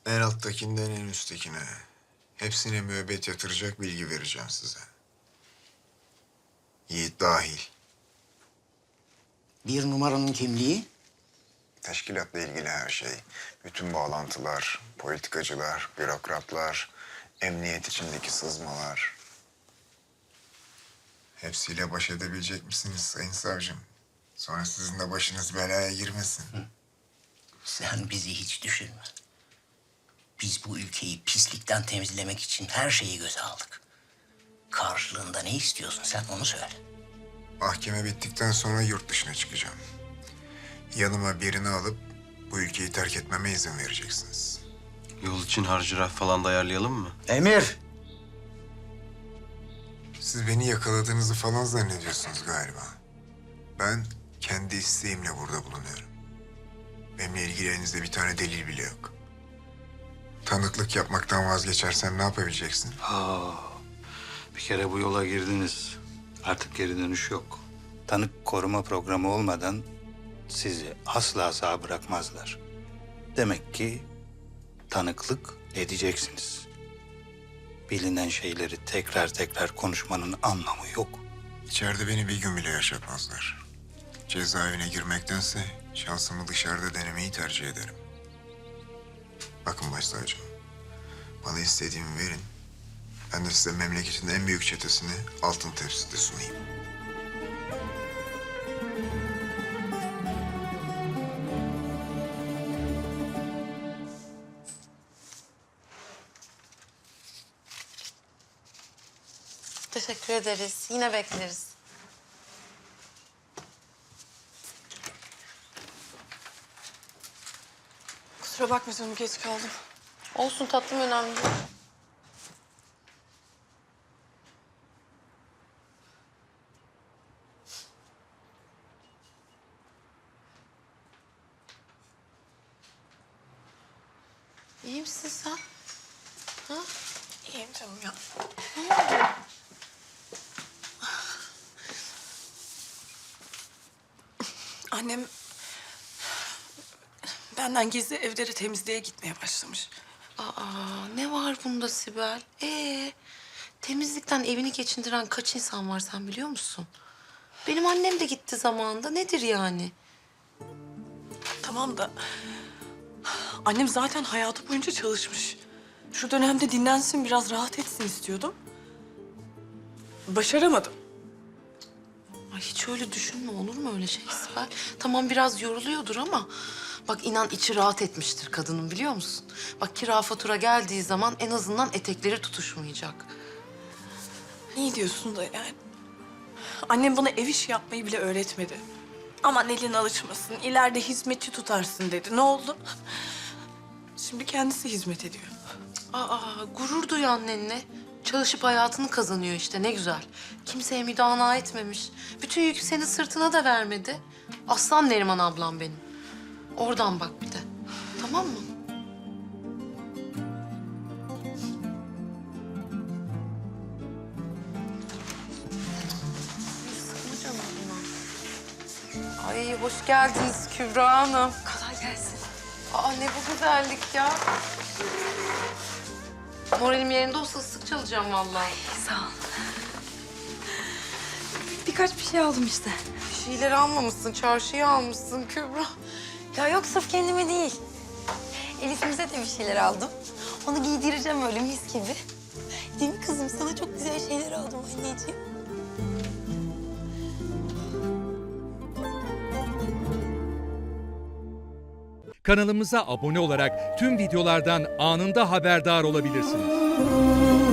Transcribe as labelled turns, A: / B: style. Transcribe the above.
A: En alttakinden en üsttekine. Hepsine müebbet yatıracak bilgi vereceğim size. Yiğit dahil.
B: Bir numaranın kimliği?
A: Teşkilatla ilgili her şey. Bütün bağlantılar, politikacılar, bürokratlar, emniyet içindeki sızmalar. Hepsiyle baş edebilecek misiniz sayın savcım? Sonra sizin de başınız belaya girmesin.
B: Sen bizi hiç düşünme. Biz bu ülkeyi pislikten temizlemek için her şeyi göze aldık. Karşılığında ne istiyorsun sen onu söyle.
A: Mahkeme bittikten sonra yurt dışına çıkacağım. Yanıma birini alıp bu ülkeyi terk etmeme izin vereceksiniz.
C: Yol için harcırah falan da ayarlayalım mı?
B: Emir!
A: Siz beni yakaladığınızı falan zannediyorsunuz galiba. Ben kendi isteğimle burada bulunuyorum. Benimle ilgili elinizde bir tane delil bile yok. Tanıklık yapmaktan vazgeçersem ne yapabileceksin?
D: Bir kere bu yola girdiniz. Artık geri dönüş yok. Tanık koruma programı olmadan sizi asla sağ bırakmazlar. Demek ki tanıklık edeceksiniz. Bilinen şeyleri tekrar tekrar konuşmanın anlamı yok.
A: İçeride beni bir gün bile yaşatmazlar. Cezaevine girmektense şansımı dışarıda denemeyi tercih ederim. Bakın başsavcım, bana istediğimi verin. Ben de size memleketin en büyük çetesini altın tepside sunayım.
E: Teşekkür ederiz. Yine bekleriz.
F: Kusura bakma canım, geç kaldım.
E: Olsun tatlım, önemli değil. İyi misin sen? Ha?
F: İyiyim canım ya. Annem benden gizli evleri temizliğe gitmeye başlamış.
E: Aa, ne var bunda Sibel? Temizlikten evini geçindiren kaç insan var sen biliyor musun? Benim annem de gitti zamanında. Nedir yani?
F: Tamam da annem zaten hayatı boyunca çalışmış. Şu dönemde dinlensin, biraz rahat etsin istiyordum. Başaramadım.
E: Ay hiç öyle düşünme, olur mu öyle şey Sibel? Tamam biraz yoruluyordur ama bak inan içi rahat etmiştir kadının biliyor musun? Bak kira fatura geldiği zaman en azından etekleri tutuşmayacak.
F: İyi diyorsun da yani. Annem bana ev işi yapmayı bile öğretmedi. Aman elin alışmasın, ileride hizmetçi tutarsın dedi. Ne oldu? Şimdi kendisi hizmet ediyor.
E: Aa, gurur duy annenle. Çalışıp hayatını kazanıyor işte, ne güzel. Kimseye müdana etmemiş. Bütün yükü senin sırtına da vermedi. Aslan Neriman ablam benim. Oradan bak bir de. Tamam mı? Sıkma canım buna. Ay hoş geldiniz Kübra Hanım.
F: Kolay gelsin.
E: Aa ne bu güzellik ya. Moralim yerinde olsa sık çalacağım vallahi.
G: Sağ ol. Birkaç bir şey aldım işte.
E: Bir şeyleri almamışsın, çarşıyı almışsın Kübra.
G: Ya yok sırf kendime değil. Elif'imize de bir şeyler aldım. Onu giydireceğim öyle mis gibi. Değil mi kızım? Sana çok güzel şeyler aldım anneciğim.
H: Kanalımıza abone olarak tüm videolardan anında haberdar olabilirsiniz.